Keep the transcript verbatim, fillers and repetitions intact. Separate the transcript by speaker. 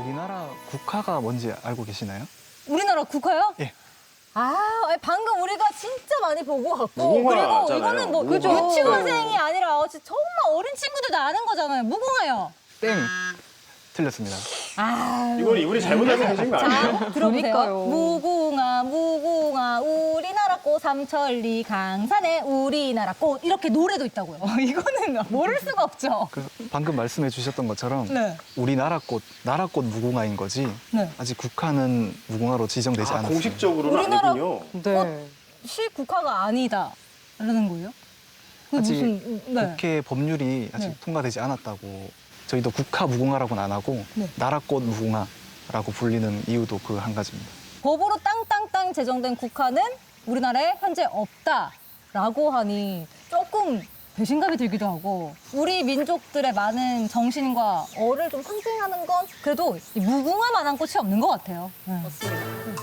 Speaker 1: 우리나라 국화가 뭔지 알고 계시나요?
Speaker 2: 우리나라 국화요?
Speaker 1: 예.
Speaker 2: 아, 아니, 방금 우리가 진짜 많이 보고 왔고
Speaker 3: 무궁화
Speaker 2: 그리고
Speaker 3: 알잖아요.
Speaker 2: 이거는 뭐
Speaker 3: 무궁화.
Speaker 2: 유치원생이 아니라 진짜 정말 어린 친구들도 아는 거잖아요. 무궁화요.
Speaker 1: 땡. 틀렸습니다.
Speaker 2: 아,
Speaker 3: 이건 이분이 잘못 알려주신 거 아니에요?
Speaker 2: 자, 들어보세요.
Speaker 4: 그러니까요.
Speaker 2: 무궁화, 무궁화, 우리나라 꽃 삼천리 강산에 우리나라 꽃 이렇게 노래도 있다고요. 이거는 모를 수가 없죠.
Speaker 1: 그 방금 말씀해 주셨던 것처럼
Speaker 2: 네.
Speaker 1: 우리나라 꽃, 나라 꽃 무궁화인 거지
Speaker 2: 네.
Speaker 1: 아직 국화는 무궁화로 지정되지
Speaker 3: 아,
Speaker 1: 않았어요.
Speaker 3: 공식적으로는
Speaker 2: 우리나라-
Speaker 3: 아니군요.
Speaker 4: 네.
Speaker 2: 시 국화가 아니다라는 거예요? 그
Speaker 1: 아직
Speaker 2: 무슨 네.
Speaker 1: 국회 법률이 아직
Speaker 2: 네.
Speaker 1: 통과되지 않았다고. 저희도 국화 무궁화라고는 안 하고
Speaker 2: 네.
Speaker 1: 나라꽃 무궁화라고 불리는 이유도 그 한 가지입니다.
Speaker 2: 법으로 땅땅땅 제정된 국화는 우리나라에 현재 없다라고 하니 조금 배신감이 들기도 하고 우리 민족들의 많은 정신과 어를 좀 상징하는 건 그래도 이 무궁화만한 꽃이 없는 것 같아요. 네.